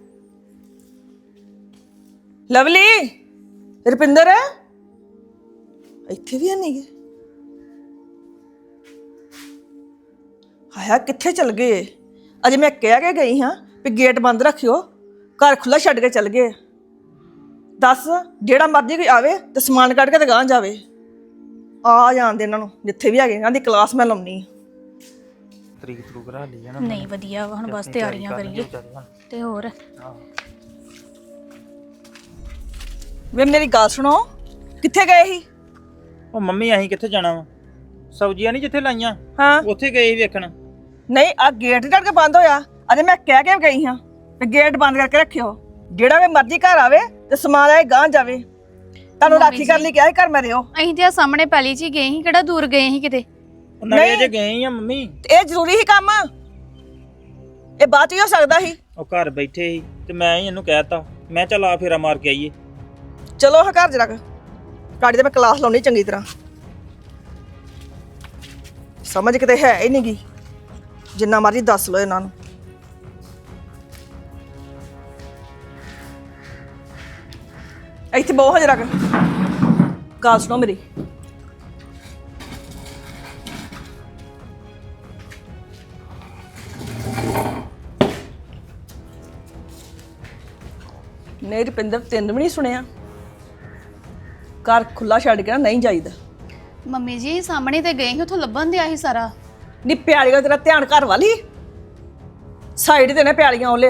Speaker 7: ਲਵਲੀ, ਰੁਪਿੰਦਰ, ਇੱਥੇ ਵੀ ਨਹੀਂ ਗਏ। ਹਾਇਆ ਕਿੱਥੇ ਚਲ ਗਏ? ਅਜੇ ਮੈਂ ਕਹਿ ਕੇ ਗਈ ਹਾਂ ਵੀ ਗੇਟ ਬੰਦ ਰੱਖਿਓ, ਘਰ ਖੁੱਲਾ ਛੱਡ ਕੇ ਚਲ ਗਏ। ਦੱਸ, ਜਿਹੜਾ ਮਰਜ਼ੀ ਕੋਈ ਆਵੇ ਤੇ ਸਮਾਨ ਕੱਢ ਕੇ ਤੇ ਗਾਂਹ ਜਾਵੇ। ਆ ਜਾਣ ਦੇ ਇਹਨਾਂ ਨੂੰ, ਜਿੱਥੇ ਵੀ ਹੈਗੇ ਇਹਨਾਂ ਦੀ ਕਲਾਸ ਮੈਂ ਲਾਉਣੀ।
Speaker 2: ਤਰੀਕ ਤਰੂਕ ਰਾ ਲਈ ਜਾਣਾ।
Speaker 5: ਨਹੀਂ ਵਧੀਆ ਵਾ, ਹੁਣ ਬਸ ਤਿਆਰੀਆਂ ਕਰੀਏ ਤੇ ਹੋਰ।
Speaker 7: ਵੇ ਮੇਰੀ ਗੱਲ ਸੁਣੋ, ਕਿੱਥੇ ਗਏ ਸੀ?
Speaker 2: ਉਹ ਮੰਮੀ ਅਸੀਂ ਕਿੱਥੇ ਜਾਣਾ ਵਾ? ਸਬਜ਼ੀਆਂ ਨਹੀਂ ਜਿੱਥੇ ਲਾਈਆਂ
Speaker 7: ਹਾਂ
Speaker 2: ਉੱਥੇ ਗਏ ਸੀ ਵੇਖਣ।
Speaker 7: ਨਹੀਂ, ਆ ਗੇਟ ਢੜ ਕੇ ਬੰਦ ਹੋਇਆ। ਅਜੇ ਮੈਂ ਕਹਿ ਕੇ ਗਈ ਹਾਂ ਤੇ ਗੇਟ ਬੰਦ ਕਰਕੇ ਰੱਖਿਓ। ਜਿਹੜਾ ਵੀ ਮਰਜ਼ੀ ਘਰ ਆਵੇ ਤੇ ਸਮਾਨ ਆਏ ਗਾਂ ਜਾਵੇ। ਤੁਹਾਨੂੰ ਰਾਖੀ ਕਰਨ ਲਈ ਕਿਹਾ ਸੀ ਘਰ ਮੈਂ ਰਿਓ।
Speaker 5: ਅਸੀਂ ਤੇ ਆ ਸਾਹਮਣੇ ਪਹਿਲੀ ਚ ਹੀ ਗਏ ਸੀ, ਕਿਹੜਾ ਦੂਰ ਗਏ ਸੀ ਕਿਤੇ।
Speaker 2: ਨਾਲੇ ਜੇ ਗਏ ਆ ਮੰਮੀ,
Speaker 7: ਤੇ ਇਹ ਜ਼ਰੂਰੀ ਹੀ ਕੰਮ, ਇਹ ਬਾਅਦ ਚ ਹੀ ਹੋ ਸਕਦਾ ਸੀ।
Speaker 2: ਉਹ ਘਰ ਬੈਠੇ ਸੀ ਤੇ ਮੈਂ ਹੀ ਇਹਨੂੰ ਕਹਿਤਾ, ਮੈਂ ਚੱਲ ਆ ਫੇਰਾ ਮਾਰ ਕੇ ਆਈਏ।
Speaker 7: ਚਲੋ ਹਾਂ ਘਰ ਜਰਾ ਗਾੜੀ ਤੇ ਮੈਂ ਕਲਾਸ ਲਾਉਣੀ ਚੰਗੀ ਤਰ੍ਹਾਂ। ਸਮਝ ਕਿਤੇ ਹੈ ਹੀ ਨਹੀਂਗੀ, ਜਿੰਨਾ ਮਰਜ਼ੀ ਦੱਸ ਲਓ ਇਹਨਾਂ ਨੂੰ। ਇੱਥੇ ਬਹੁਤ ਜਰਾ ਗੱਲ ਸੁਣੋ ਮੇਰੀ। ਨਹੀਂ ਰੁਪਿੰਦਰ, ਤੈਨੂੰ ਵੀ ਨਹੀਂ ਸੁਣਿਆ? ਘਰ ਖੁੱਲਾ ਛੱਡ ਕੇ ਨਾ ਨਹੀਂ ਜਾਈਦਾ।
Speaker 5: ਮੰਮੀ ਜੀ ਸਾਹਮਣੇ ਤੇ ਗਏ ਸੀ, ਉੱਥੋਂ ਲੱਭਣ ਦਿਆ ਸੀ ਸਾਰਾ।
Speaker 7: ਨੀ ਪਿਆਲੀਆਂ, ਤੇਰਾ ਧਿਆਨ ਘਰ ਵਾਲੀ ਸਾਈਡ ਤੇ ਨੇ ਪਿਆਲੀਆਂ। ਉਹਲੇ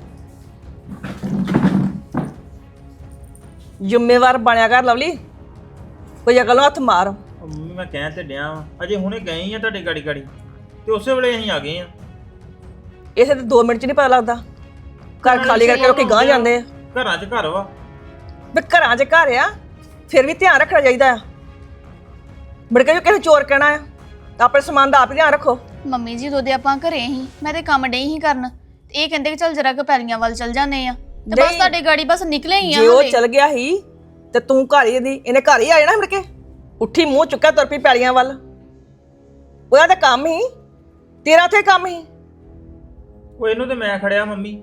Speaker 7: ਜ਼ਿੰਮੇਵਾਰ ਬਣਿਆ ਕਰ ਲਵਲੀ, ਕੋਈ ਅਕਲ ਨੂੰ ਹੱਥ ਮਾਰ।
Speaker 2: ਉਹ ਮੰਮੀ ਮੈਂ ਕਹਿਣ ਤੇ ਡਿਆ ਵਾਂ, ਅਜੇ ਹੁਣੇ ਗਏ ਹੀ ਆ ਤੁਹਾਡੇ ਗਾੜੀ ਗਾੜੀ ਤੇ ਉਸੇ ਵੇਲੇ ਅਸੀਂ ਆ ਗਏ ਆ।
Speaker 7: ਇਸੇ ਤੇ 2 ਮਿੰਟ ਚ ਨਹੀਂ ਪਤਾ ਲੱਗਦਾ। ਘਰ ਖਾਲੀ ਕਰਕੇ ਲੋਕੀ ਗਾਂਹ ਜਾਂਦੇ ਆ।
Speaker 2: ਘਰਾਂ 'ਚ ਘਰ ਵਾ,
Speaker 7: ਵੀ ਘਰਾਂ 'ਚ ਘਰ ਆ, ਫਿਰ ਵੀ ਧਿਆਨ ਰੱਖਣਾ ਚਾਹੀਦਾ ਆ। ਮੁੜ ਕੇ ਜੋ ਕਿਸੇ ਚੋਰ ਕਹਿਣਾ ਆ ਤਾਂ ਆਪਣੇ ਸਮਾਨ ਦਾ ਆਪ ਹੀ ਧਿਆਨ ਰੱਖੋ।
Speaker 5: ਮੰਮੀ ਜੀ ਉਹਦੇ ਆਪਾਂ ਘਰੇ ਸੀ, ਮੈਂ ਤੇ ਕੰਮ ਡਈ ਸੀ ਕਰਨ, ਤੇ ਇਹ ਕਹਿੰਦੇ ਕਿ ਚੱਲ ਜਰਾ ਕੁ ਪੈਲੀਆਂ ਵੱਲ ਚੱਲ ਜਾਂਦੇ ਆ, ਤੇ ਬਸ
Speaker 7: ਨਹੀਂ।
Speaker 5: ਤੁਹਾਡੇ ਗਾੜੀ ਬਸ ਨਿਕਲੇ ਹੀ ਆ
Speaker 7: ਜੇ ਉਹ
Speaker 5: ਹਲੇ।
Speaker 7: ਚਲ ਗਿਆ ਸੀ ਤੇ ਤੂੰ ਘਰ ਹੀ ਦੀ, ਇਹਨੇ ਘਰ ਹੀ ਆ ਜਾਣਾ ਮੁੜ ਕੇ। ਉੱਠੀ ਮੂੰਹ ਚੁੱਕਿਆ ਤੁਰ ਪਈ ਪੈਲੀਆਂ ਵੱਲ। ਉਹਦਾ ਤਾਂ ਕੰਮ ਹੀ, ਤੇਰਾ ਤੇ ਕੰਮ ਹੀ।
Speaker 2: ਉਹ ਇਹਨੂੰ ਤੇ ਮੈਂ ਖੜਿਆ ਮੰਮੀ।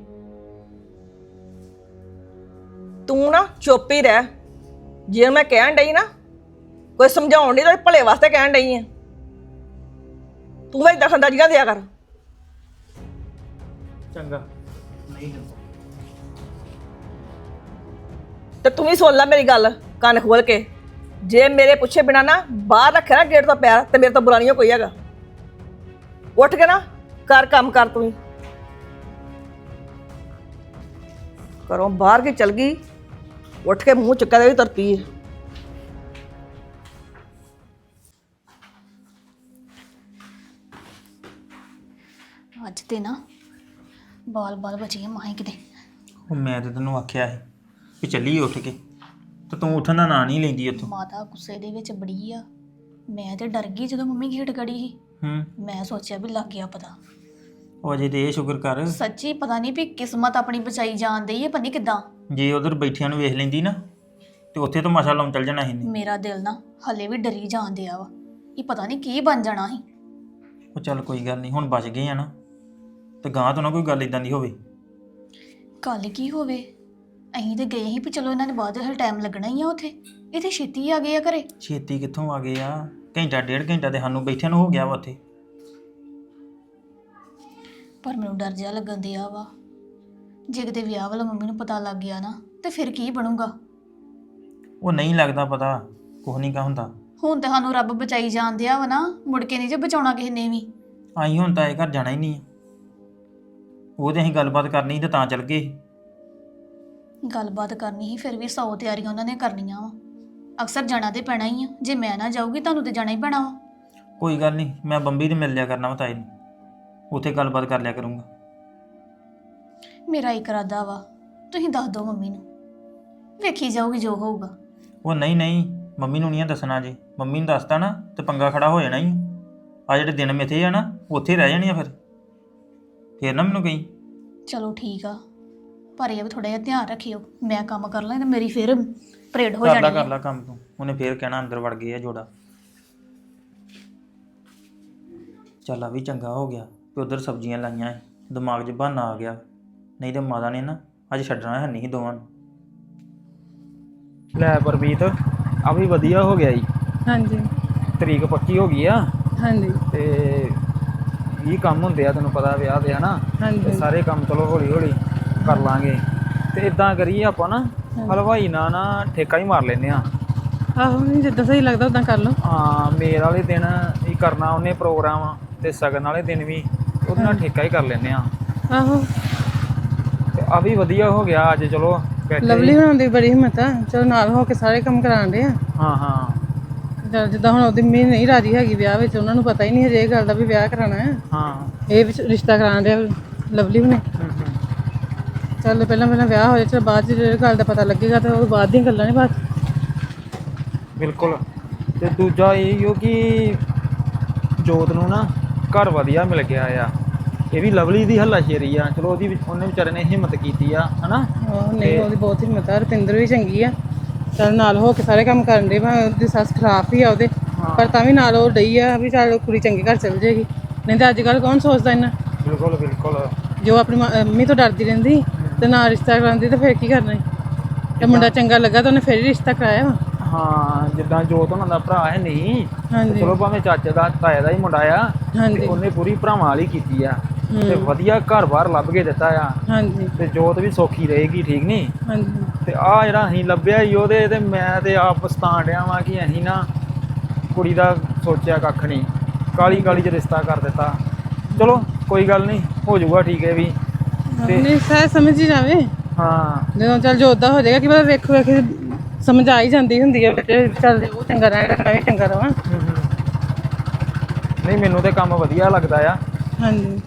Speaker 7: ਤੂੰ ਨਾ ਚੁੱਪ ਹੀ ਰਹਿ। ਜੇ ਮੈਂ ਕਹਿਣ ਡਈ ਨਾ, ਕੋਈ ਸਮਝਾਉਣ ਨਹੀਂ ਤਾਂ ਭਲੇ ਵਾਸਤੇ ਕਹਿਣ ਡਈ ਆ। ਤੂੰ ਵੀ ਦਖਲਅੰਦਾਜ਼ੀਆਂ ਦਿਆ ਕਰ।
Speaker 2: ਚੰਗਾ ਨਹੀਂ
Speaker 7: ਤੇ ਤੂੰ ਵੀ ਸੁਣ ਲੈ ਮੇਰੀ ਗੱਲ ਕੰਨ ਖੋਲ ਕੇ। ਜੇ ਮੇਰੇ ਪੁੱਛੇ ਬਿਨਾ ਨਾ ਬਾਹਰ ਰੱਖਿਆ ਨਾ ਗੇਟ ਤੋਂ ਪੈਰ, ਤੇ ਮੇਰੇ ਤੋਂ ਬੁਰਾ ਨਹੀਂ ਕੋਈ ਹੈਗਾ। ਉੱਠ ਕੇ ਨਾ ਕਰ ਕੰਮ ਕਰ। ਤੂੰ ਹੀ ਘਰੋਂ ਬਾਹਰ ਕੇ ਚਲ ਗਈ, ਉੱਠ ਕੇ ਮੂੰਹ ਚੁੱਕਿਆ ਤੇ ਵੀ ਤੁਰ ਪਈ ਹੈ।
Speaker 5: ਅੱਜ ਤੇ ਨਾ ਬਾਲ ਬਚੀਏ ਮਾਹੀ ਕਿਤੇ।
Speaker 2: ਉਹ ਮੈਂ ਤੇ ਤੈਨੂੰ ਆਖਿਆ ਸੀ ਵੀ ਚੱਲੀਏ ਉੱਠ ਕੇ, ਤੇ ਤੂੰ ਉੱਠਣ ਦਾ ਨਾਂ ਨਹੀਂ ਲੈਂਦੀ ਉੱਥੋਂ।
Speaker 5: ਮਾਤਾ ਗੁੱਸੇ ਦੇ ਵਿੱਚ ਬੜੀ ਆ। ਮੈਂ ਤੇ ਡਰ ਗਈ ਜਦੋਂ ਮੰਮੀ ਗੇਟ ਗੜੀ ਸੀ। ਮੈਂ ਸੋਚਿਆ ਵੀ ਲੱਗ ਗਿਆ ਪਤਾ।
Speaker 2: ਉਹ ਅਜੇ ਤੇ ਇਹ ਸ਼ੁਕਰ ਕਰ,
Speaker 5: ਸੱਚੀ ਪਤਾ ਨਹੀਂ ਵੀ ਕਿਸਮਤ ਆਪਣੀ ਬਚਾਈ ਜਾਣ ਡਈ ਹੈ, ਪਤਾ ਨਹੀਂ ਕਿੱਦਾਂ।
Speaker 2: ਜੇ ਉਧਰ ਬੈਠਿਆਂ ਨੂੰ ਵੇਖ ਲੈਂਦੀ ਨਾ ਤੇ ਉੱਥੇ ਤਾਂ ਮਸਾ ਲਾਉਣ ਚੱਲ ਜਾਣਾ ਸੀ।
Speaker 5: ਮੇਰਾ ਦਿਲ ਨਾ ਹਲੇ ਵੀ ਡਰੀ ਜਾਣ ਡਿਆ ਵਾ, ਇਹ ਪਤਾ ਨਹੀਂ ਕੀ ਬਣ ਜਾਣਾ ਸੀ।
Speaker 2: ਉਹ ਚੱਲ ਕੋਈ ਗੱਲ ਨਹੀਂ, ਹੁਣ ਬਚ ਗਏ ਆ ਨਾ, ਤੇ ਗਾਂ ਤੋਂ ਨਾ ਕੋਈ ਗੱਲ ਇਦਾਂ ਦੀ ਹੋਵੇ।
Speaker 5: ਕੱਲ ਕੀ ਹੋਵੇ, ਅਸੀਂ ਤੇ ਗਏ ਸੀ ਵੀ ਚਲੋ ਇਹਨਾਂ ਨੇ ਬਾਅਦ ਵਿੱਚ ਟਾਈਮ ਲੱਗਣਾ ਹੀ ਆ ਉੱਥੇ, ਇਹ ਤੇ ਛੇਤੀ ਆ ਗਏ ਆ ਘਰੇ।
Speaker 2: ਛੇਤੀ ਕਿੱਥੋਂ ਆ ਗਏ ਆ, ਘੰਟਾ 1.5 ਘੰਟਾ ਤੇ ਸਾਨੂੰ ਬੈਠਿਆਂ ਨੂੰ ਹੋ ਗਿਆ ਵਾ ਉੱਥੇ।
Speaker 5: ਪਰ ਮੈਨੂੰ ਡਰ ਜਿਹਾ ਲੱਗਣ ਦਿਆ ਵਾ, ਜੇ ਕਿਤੇ ਵਿਆਹ ਵਾਲਾ ਮੰਮੀ ਨੂੰ ਪਤਾ ਲੱਗ ਗਿਆ ਨਾ ਤੇ ਫਿਰ ਕੀ ਬਣੂਗਾ।
Speaker 2: ਉਹ ਨਹੀਂ ਲੱਗਦਾ ਪਤਾ, ਕੁਛ ਨਹੀਂ ਕਾ ਹੁੰਦਾ।
Speaker 5: ਹੁਣ ਤਾਂ ਸਾਨੂੰ ਰੱਬ ਬਚਾਈ ਜਾਣ ਦਿਆ ਵਾ ਨਾ, ਮੁੜ ਕੇ ਨਹੀਂ ਜੇ ਬਚਾਉਣਾ ਕਿਸੇ ਨੇ ਵੀ।
Speaker 2: ਆਈ ਹੁਣ ਤਾਂ ਇਹ ਘਰ ਜਾਣਾ ਹੀ ਨਹੀਂ ਆ। ਉਹ ਤੇ ਅਸੀਂ ਗੱਲਬਾਤ ਕਰਨੀ ਸੀ ਤੇ ਤਾਂ ਚੱਲ ਗਏ।
Speaker 5: ਗੱਲਬਾਤ ਕਰਨੀ ਸੀ, ਫਿਰ ਵੀ 100 ਤਿਆਰੀਆਂ ਉਹਨਾਂ ਨੇ ਕਰਨੀਆਂ ਵਾ। ਅਕਸਰ ਜਾਣਾ ਤੇ ਪੈਣਾ ਹੀ ਆ, ਜੇ ਮੈਂ ਨਾ ਜਾਊਗੀ ਤੁਹਾਨੂੰ ਤੇ ਜਾਣਾ ਹੀ ਪੈਣਾ ਵਾ।
Speaker 2: ਕੋਈ ਗੱਲ ਨਹੀਂ, ਮੈਂ ਬੰਬੀ ਤੇ ਮਿਲ ਲਿਆ ਕਰਨਾ ਵਾ ਤਾਏ ਨੂੰ, ਉੱਥੇ ਗੱਲਬਾਤ ਕਰ ਲਿਆ ਕਰੂੰਗਾ।
Speaker 5: ਮੇਰਾ ਇੱਕ ਇਰਾਦਾ ਵਾ, ਤੁਸੀਂ ਦੱਸ ਦਿਓ ਮੰਮੀ ਨੂੰ, ਵੇਖੀ ਜਾਊਗੀ ਜੋ ਹੋਊਗਾ।
Speaker 2: ਉਹ ਨਹੀਂ ਮੰਮੀ ਨੂੰ ਨਹੀਂ ਦੱਸਣਾ। ਜੇ ਮੰਮੀ ਨੂੰ ਦੱਸਤਾ ਨਾ ਤੇ ਪੰਗਾ ਖੜਾ ਹੋ ਜਾਣਾ ਹੀ। ਆ ਜਿਹੜੇ ਦਿਨ ਮਿੱਥੇ ਆ ਨਾ ਉੱਥੇ ਰਹਿ ਜਾਣੀ ਆ ਫਿਰ ਨਾ ਮੈਨੂੰ ਕਹੀਂ।
Speaker 5: ਚਲੋ ਠੀਕ ਆ, ਪਰ ਇਹ ਵੀ ਥੋੜਾ ਜਿਹਾ ਧਿਆਨ ਰੱਖਿਓ। ਮੈਂ ਕੰਮ ਕਰ ਲਾਂ ਤੇ ਮੇਰੀ ਫਿਰ ਪਰੇਡ ਹੋ ਜਾਣੀ
Speaker 2: ਕਰ ਲਾ ਕੰਮ ਤੂੰ, ਉਹਨੇ ਫੇਰ ਕਹਿਣਾ ਅੰਦਰ ਵੜ ਗਏ ਆ ਜੋੜਾ। ਚੱਲ ਆ ਵੀ ਚੰਗਾ ਹੋ ਗਿਆ ਕਿ ਉਧਰ ਸਬਜ਼ੀਆਂ ਲਾਈਆਂ, ਦਿਮਾਗ 'ਚ ਬਹਾਨਾ ਆ ਗਿਆ, ਨਹੀਂ ਤੇ ਮਾਤਾ ਨੇ ਨਾ ਅੱਜ ਛੱਡਣਾ ਹੈ ਨਹੀਂ ਦੋਵਾਂ ਨੂੰ।
Speaker 4: ਲੈ ਪਰਮੀਤ, ਆ ਵੀ ਵਧੀਆ ਹੋ ਗਿਆ ਜੀ।
Speaker 6: ਹਾਂਜੀ
Speaker 4: ਤਰੀਕ ਪੱਕੀ ਹੋ ਗਈ ਆ,
Speaker 6: ਹਾਂਜੀ
Speaker 4: ਤੇ ਇਹ ਕੰਮ ਹੁੰਦੇ ਆ ਤੈਨੂੰ ਪਤਾ ਵਿਆਹ ਦੇ ਹਨਾ। ਤੇ
Speaker 6: ਹਾਂਜੀ
Speaker 4: ਸਾਰੇ ਕੰਮ ਚਲੋ ਹੌਲੀ ਹੌਲੀ ਕਰ ਲਾਂਗੇ। ਤੇ ਇਦਾਂ ਕਰੀਏ ਆਪਾਂ ਨਾ ਹਲਵਾਈ ਨਾਲ ਨਾ ਠੇਕਾ ਹੀ ਮਾਰ ਲੈਨੇ ਆ।
Speaker 6: ਆਹੋ, ਨਹੀਂ ਜਿੱਦਾਂ ਸਹੀ ਲੱਗਦਾ ਉਦਾਂ ਕਰ ਲਓ।
Speaker 4: ਹਾਂ, ਮੇਲ ਵਾਲੇ ਦਿਨ ਹੀ ਕਰਨਾ ਉਹਨੇ ਪ੍ਰੋਗਰਾਮ, ਤੇ ਸਗਨ ਵਾਲੇ ਦਿਨ ਵੀ ਉਹਦੇ ਨਾਲ ਠੇਕਾ ਹੀ ਕਰ ਲੈਨੇ ਆ।
Speaker 6: ਆਹੋ,
Speaker 4: ਤੇ ਆ ਵੀ ਵਧੀਆ ਹੋ ਗਿਆ ਅੱਜ। ਚਲੋ ਬੈਠੇ
Speaker 6: ਲਵਲੀ ਹੋਣ ਦੀ ਬੜੀ ਹਿੰਮਤ ਆ, ਚਲੋ ਨਾਲ ਹੋ ਕੇ ਸਾਰੇ ਕੰਮ ਕਰਾਉਂਦੇ ਆ।
Speaker 4: ਹਾਂ
Speaker 6: ਜਿੱਦਾਂ ਹੁਣ ਉਹਦੀ ਮੰਮੀ ਨਹੀਂ ਰਾਜੀ ਹੈਗੀ ਵਿਆਹ ਵਿੱਚ, ਉਹਨਾਂ ਨੂੰ ਪਤਾ ਹੀ ਨਹੀਂ ਹਜੇ ਇਹ ਗੱਲ ਦਾ ਵੀ ਵਿਆਹ ਕਰਾਉਣਾ ਹੈ।
Speaker 4: ਹਾਂ
Speaker 6: ਇਹ ਵਿੱਚ ਰਿਸ਼ਤਾ ਕਰਾਉਣ ਦੇ ਲਵਲੀ ਨੇ। ਚੱਲ ਪਹਿਲਾਂ ਪਹਿਲਾਂ ਵਿਆਹ ਹੋ ਜਾਏ, ਚਲ ਬਾਅਦ 'ਚ ਜੇ ਗੱਲ ਦਾ ਪਤਾ ਲੱਗੇਗਾ ਤਾਂ ਉਹ ਬਾਅਦ ਦੀਆਂ ਗੱਲਾਂ ਨੇ ਬਾਅਦ 'ਚ।
Speaker 4: ਬਿਲਕੁਲ। ਤੇ ਦੂਜਾ ਇਹ ਹੋ ਕਿ ਜੋਤ ਨੂੰ ਨਾ ਘਰ ਵਧੀਆ ਮਿਲ ਗਿਆ ਆ। ਇਹ ਵੀ ਲਵਲੀ ਦੀ ਹੱਲਾਸ਼ੇਰੀ ਆ। ਚਲੋ ਉਹਨੇ ਵਿਚਾਰੇ ਨੇ ਹਿੰਮਤ ਕੀਤੀ ਆ ਹਨਾ।
Speaker 6: ਨਹੀਂ ਉਹਦੀ ਬਹੁਤ ਹਿੰਮਤ ਆ। ਰੁਪਿੰਦਰ ਵੀ ਚੰਗੀ ਆ, ਚੱਲ ਨਾਲ ਹੋ ਕੇ ਸਾਰੇ ਕੰਮ ਕਰਨ ਦੇ। ਭਾਵੇਂ ਉਹਦੀ ਸੱਸ ਖਰਾਬ ਹੀ ਆ ਉਹਦੇ, ਪਰ ਤਾਂ ਵੀ ਨਾਲ ਉਹ ਡਈ ਆ ਵੀ ਚੱਲ ਕੁੜੀ ਚੰਗੇ ਘਰ ਚਲ ਜਾਏਗੀ। ਨਹੀਂ ਤਾਂ ਅੱਜ ਕੱਲ੍ਹ ਕੌਣ ਸੋਚਦਾ ਇੰਨਾ।
Speaker 4: ਬਿਲਕੁਲ ਬਿਲਕੁਲ।
Speaker 6: ਜੋ ਆਪਣੀ ਮੰਮੀ ਤੋਂ ਡਰਦੀ ਰਹਿੰਦੀ ਤੇ ਨਾ ਰਿਸ਼ਤਾ ਕਰਾਉਂਦੀ ਤਾਂ ਫਿਰ ਕੀ ਕਰਨਾ ਸੀ। ਤੇ ਮੁੰਡਾ ਚੰਗਾ ਲੱਗਾ ਤਾਂ ਉਹਨੇ ਫਿਰ ਹੀ ਰਿਸ਼ਤਾ ਕਰਾਇਆ ਵਾ।
Speaker 4: ਹਾਂ ਜਿੱਦਾਂ ਜੋਤ ਉਹਨਾਂ ਦਾ ਭਰਾ ਹੈ ਨਹੀਂ,
Speaker 6: ਹਾਂਜੀ
Speaker 4: ਚਲੋ ਭਾਵੇਂ ਚਾਚੇ ਦਾ ਤਾਏ ਦਾ ਹੀ ਮੁੰਡਾ ਆ,
Speaker 6: ਹਾਂਜੀ
Speaker 4: ਤੇ ਉਹਨੇ ਪੂਰੀ ਭਰਾਵਾਂ ਵਾਲੀ ਕੀਤੀ ਆ ਤੇ ਵਧੀਆ ਘਰ-ਬਾਰ ਲੱਭ ਕੇ ਦਿੱਤਾ ਆ।
Speaker 6: ਹਾਂਜੀ
Speaker 4: ਤੇ ਜੋਤ ਵੀ ਸੌਖੀ ਰਹੇਗੀ, ਠੀਕ ਨਹੀਂ।
Speaker 6: ਹਾਂਜੀ
Speaker 4: ਤੇ ਆ ਜਿਹੜਾ ਅਸੀਂ ਲੱਭਿਆ ਹੀ ਉਹਦੇ, ਤੇ ਮੈਂ ਤੇ ਆਪ ਪਛਤਾਣ ਡਿਆ ਵਾਂ ਕਿ ਅਸੀਂ ਨਾ ਕੁੜੀ ਦਾ ਸੋਚਿਆ ਕੱਖ ਨਹੀਂ, ਕਾਲੀ ਕਾਲੀ 'ਚ ਰਿਸ਼ਤਾ ਕਰ ਦਿੱਤਾ। ਚਲੋ ਕੋਈ ਗੱਲ ਨਹੀਂ, ਹੋ ਜਾਊਗਾ ਠੀਕ ਹੈ ਵੀ।
Speaker 6: ਨਹੀਂ ਸਹਿ ਸਮਝ ਹੀ ਜਾਵੇ
Speaker 4: ਹਾਂ
Speaker 6: ਜਦੋਂ ਚੱਲ ਜੋ ਉੱਦਾਂ ਹੋ ਜਾਏਗਾ ਕਿ ਪਤਾ ਵੇਖੋ ਵੇਖ ਸਮਝ ਆ ਹੀ ਜਾਂਦੀ ਹੁੰਦੀ ਹੈ ਬੱਚੇ। ਚੱਲ ਉਹ ਚੰਗਾ ਰਹੇਗਾ ਮੈਂ ਵੀ ਚੰਗਾ ਰਵਾਂ।
Speaker 4: ਨਹੀਂ ਮੈਨੂੰ ਤੇ ਕੰਮ ਵਧੀਆ ਲੱਗਦਾ ਆ।
Speaker 6: ਹਾਂਜੀ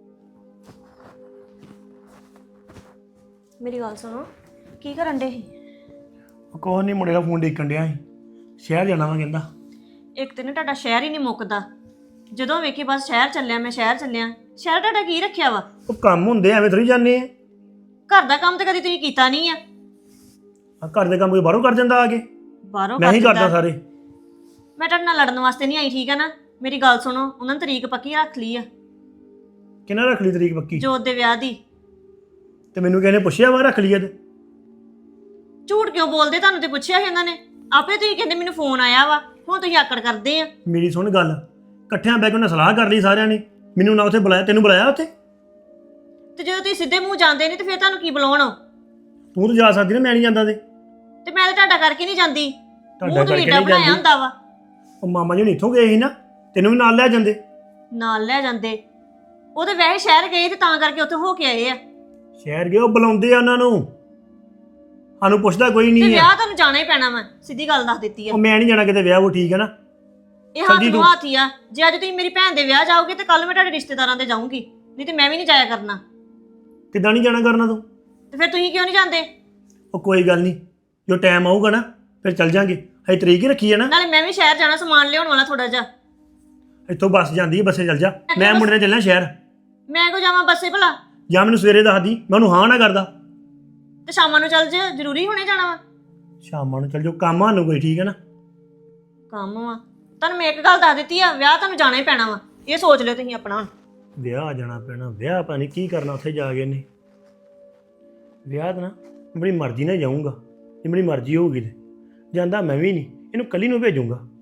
Speaker 8: ਮੇਰੀ ਗੱਲ ਸੁਣੋ, ਕੀ ਕਰਨ ਡੇ ਸੀ?
Speaker 9: ਕੋਹ ਨਹੀਂ, ਮੁੰਡੇ ਦਾ ਫੋਨ ਦੇਖਣ ਡਿਆ ਸੀ, ਸ਼ਹਿਰ ਜਾਣਾ ਵਾ ਕਹਿੰਦਾ।
Speaker 8: ਇੱਕ ਤੇ ਨਾ ਤੁਹਾਡਾ ਸ਼ਹਿਰ ਹੀ ਨਹੀਂ ਮੁੱਕਦਾ। ਜਦੋਂ ਵੇਖੀ ਬਸ ਸ਼ਹਿਰ ਚੱਲਿਆ, ਮੈਂ ਸ਼ਹਿਰ ਚੱਲਿਆ। ਸ਼ਹਿਰ ਤੁਹਾਡਾ ਕੀ ਰੱਖਿਆ ਵਾ?
Speaker 9: ਉਹ ਕੰਮ ਹੁੰਦੇ ਐਵੇਂ ਥੋੜੀ ਜਾਂਦੇ ਆ।
Speaker 8: ਘਰ ਦਾ ਕੰਮ ਤਾਂ ਕਦੀ ਤੁਸੀਂ ਕੀਤਾ ਨਹੀਂ ਆ।
Speaker 9: ਘਰ ਦੇ ਕੰਮ ਕੋਈ ਬਾਹਰੋਂ ਕਰ ਜਾਂਦਾ ਆ ਕੇ।
Speaker 8: ਬਾਹਰੋਂ
Speaker 9: ਮੈਂ ਹੀ
Speaker 8: ਕਰ
Speaker 9: ਕਰਦਾ
Speaker 8: ਦਿੰਦਾ।
Speaker 9: ਸਾਰੇ।
Speaker 8: ਮੈਂ ਤੁਹਾਡੇ ਨਾਲ ਲੜਨ ਵਾਸਤੇ ਨਹੀਂ ਆਈ, ਠੀਕ ਆ ਨਾ। ਮੇਰੀ ਗੱਲ ਸੁਣੋ, ਉਹਨਾਂ ਨੇ ਤਰੀਕ ਪੱਕੀ ਰੱਖ ਲਈ ਆ
Speaker 9: ਕਿਹਨਾਂ ਰੱਖ ਲਈ ਤਰੀਕ ਪੱਕੀ?
Speaker 8: ਜੋਤ ਦੇ ਵਿਆਹ ਦੀ।
Speaker 9: ਤੇ ਮੈਨੂੰ ਕਹਿੰਦੇ ਪੁੱਛਿਆ ਵਾ ਰੱਖ ਲਈ ਤੇ।
Speaker 8: ਝੂਠ ਕਿਉਂ ਬੋਲਦੇ? ਤੁਹਾਨੂੰ ਤੇ ਪੁੱਛਿਆ ਸੀ ਉਹਨਾਂ ਨੇ ਆਪੇ। ਤੁਸੀਂ ਕਹਿੰਦੇ ਮੈਨੂੰ ਫੋਨ ਆਇਆ ਵਾ, ਹੁਣ ਤੁਸੀਂ ਆਕੜ ਕਰਦੇ ਆ।
Speaker 9: ਮੇਰੀ ਸੁਣ ਗੱਲ, ਇਕੱਠਿਆਂ ਬੈ ਕੇ ਉਹਨਾਂ ਸਲਾਹ ਕਰ ਲਈ ਸਾਰਿਆਂ ਨੇ। ਮੈਨੂੰ ਨਾ ਉੱਥੇ ਬੁਲਾਇਆ, ਤੈਨੂੰ ਬੁਲਾਇਆ ਉੱਥੇ?
Speaker 8: ਤੇ ਜਦੋਂ ਤੁਸੀਂ ਸਿੱਧੇ ਮੂੰਹ ਜਾਂਦੇ ਨਹੀਂ ਤੇ ਫਿਰ ਤੁਹਾਨੂੰ ਕੀ ਬੁਲਾਉਣ?
Speaker 9: ਤੂੰ ਤਾਂ ਜਾ ਸਕਦੀ ਨਾ, ਮੈਂ ਨਹੀਂ ਜਾਂਦਾ ਤੇ
Speaker 8: ਤੇ ਮੈਂ ਤਾਂ ਤੁਹਾਡਾ ਕਰਕੇ ਨਹੀਂ ਜਾਂਦੀ।
Speaker 9: ਤੁਹਾਡਾ
Speaker 8: ਮੂੰਹ
Speaker 9: ਕਰਕੇ
Speaker 8: ਤੁਸੀਂ
Speaker 9: ਨਹੀਂ
Speaker 8: ਬਣਾਇਆ
Speaker 9: ਜਾਂਦੀ।
Speaker 8: ਹੁੰਦਾ ਵਾ।
Speaker 9: ਉਹ ਮਾਮਾ ਜੀ ਇੱਥੋਂ ਗਏ ਸੀ ਨਾ, ਤੈਨੂੰ ਵੀ ਨਾਲ ਲੈ ਜਾਂਦੇ।
Speaker 8: ਨਾਲ ਲੈ ਜਾਂਦੇ। ਉਹ ਤੇ ਵੈਸੇ ਸ਼ਹਿਰ ਗਏ ਤੇ ਤਾਂ ਕਰਕੇ ਉੱਥੇ ਹੋ ਕੇ ਆਏ ਆ।
Speaker 9: ਸ਼ਹਿਰ ਗਏ, ਉਹ ਬੁਲਾਉਂਦੇ ਆ ਉਹਨਾਂ ਨੂੰ, ਸਾਨੂੰ ਪੁੱਛਦਾ ਕੋਈ
Speaker 8: ਤੇ
Speaker 9: ਨਹੀਂ ਆ।
Speaker 8: ਵਿਆਹ ਤੁਹਾਨੂੰ ਜਾਣਾ ਹੀ ਪੈਣਾ ਵਾ, ਸਿੱਧੀ ਗੱਲ ਦੱਸ ਦਿੱਤੀ ਆ।
Speaker 9: ਉਹ ਮੈਂ ਨਹੀਂ ਜਾਣਾ ਕਿਤੇ ਵਿਆਹ, ਉਹ ਠੀਕ ਹੈ ਨਾ।
Speaker 8: ਇਹ ਹੱਥ ਨੂੰ ਹੱਥ ਹੀ ਆ। ਜੇ ਅੱਜ ਤੁਸੀਂ ਮੇਰੀ ਭੈਣ ਦੇ ਵਿਆਹ ਜਾਓਗੇ ਤੇ ਕੱਲ ਮੈਂ ਤੁਹਾਡੇ ਰਿਸ਼ਤੇਦਾਰਾਂ ਦੇ ਜਾਊਂਗੀ, ਨਹੀਂ ਤੇ ਮੈਂ ਵੀ ਨਹੀਂ ਜਾਇਆ ਕਰਨਾ।
Speaker 9: ਕਿੱਦਾਂ ਨਹੀਂ ਜਾਣਾ ਕਰਨਾ ਤੂੰ?
Speaker 8: ਤੇ ਫਿਰ ਤੁਸੀਂ ਕਿਉਂ ਨਹੀਂ ਜਾਂਦੇ?
Speaker 9: ਉਹ ਕੋਈ ਗੱਲ ਨਹੀਂ, ਜੋ ਟਾਈਮ ਆਊਗਾ ਨਾ ਫਿਰ ਚੱਲ ਜਾਾਂਗੇ। ਹਜੇ ਤਰੀਕ ਹੀ ਰੱਖੀ ਹੈ ਨਾ।
Speaker 8: ਨਾਲੇ ਮੈਂ ਵੀ ਸ਼ਹਿਰ ਜਾਣਾ, ਸਮਾਨ ਲਿਆਉਣ ਵਾਲਾ ਥੋੜਾ ਜਿਹਾ।
Speaker 9: ਇੱਥੋਂ ਬੱਸ ਜਾਂਦੀ ਹੈ, ਬੱਸੇ ਚੱਲ ਜਾ। ਮੈਂ ਮੁੰਡੇ ਨਾਲ ਚੱਲਣਾ ਸ਼ਹਿਰ।
Speaker 8: ਮੈਂ ਕੋ ਜਾਵਾਂ ਬੱਸੇ ਭਲਾ?
Speaker 9: ਜਾਂ ਮੈਨੂੰ ਸਵੇਰੇ ਦੱਸਦੀ, ਮੈਂ ਉਹਨੂੰ ਹਾਂ ਨਾ ਕਰਦਾ।
Speaker 8: ਤੇ ਸ਼ਾਮਾਂ ਨੂੰ ਚੱਲ ਜੇ, ਜ਼ਰੂਰੀ ਹੁਣੇ ਜਾਣਾ ਵਾ?
Speaker 9: ਸ਼ਾਮਾਂ ਨੂੰ ਚੱਲ ਜਾਓ, ਕੰਮ ਸਾਨੂੰ ਕੋਈ, ਠੀਕ ਹੈ ਨਾ।
Speaker 8: ਕੰਮ ਵਾ ਤੁਹਾਨੂੰ। ਮੈਂ ਇੱਕ ਗੱਲ ਦੱਸ ਦਿੱਤੀ ਆ, ਵਿਆਹ ਤੁਹਾਨੂੰ ਜਾਣਾ ਹੀ ਪੈਣਾ ਵਾ। ਇਹ ਸੋਚ ਲਿਓ ਤੁਸੀਂ ਆਪਣਾ।
Speaker 9: ਵਿਆਹ ਜਾਣਾ ਪੈਣਾ, ਵਿਆਹ ਪਤਾ ਨਹੀਂ ਕੀ ਕਰਨਾ ਉੱਥੇ ਜਾ ਕੇ ਨੇ। ਵਿਆਹ ਤਾਂ ਨਾ ਬੜੀ ਮਰਜ਼ੀ ਨਾਲ ਜਾਊਂਗਾ, ਜੇ ਮੇਰੀ ਮਰਜ਼ੀ ਹੋਊਗੀ ਤੇ ਜਾਂਦਾ ਮੈਂ ਵੀ ਨਹੀਂ, ਇਹਨੂੰ ਕੱਲੀ ਨੂੰ ਭੇਜੂੰਗਾ।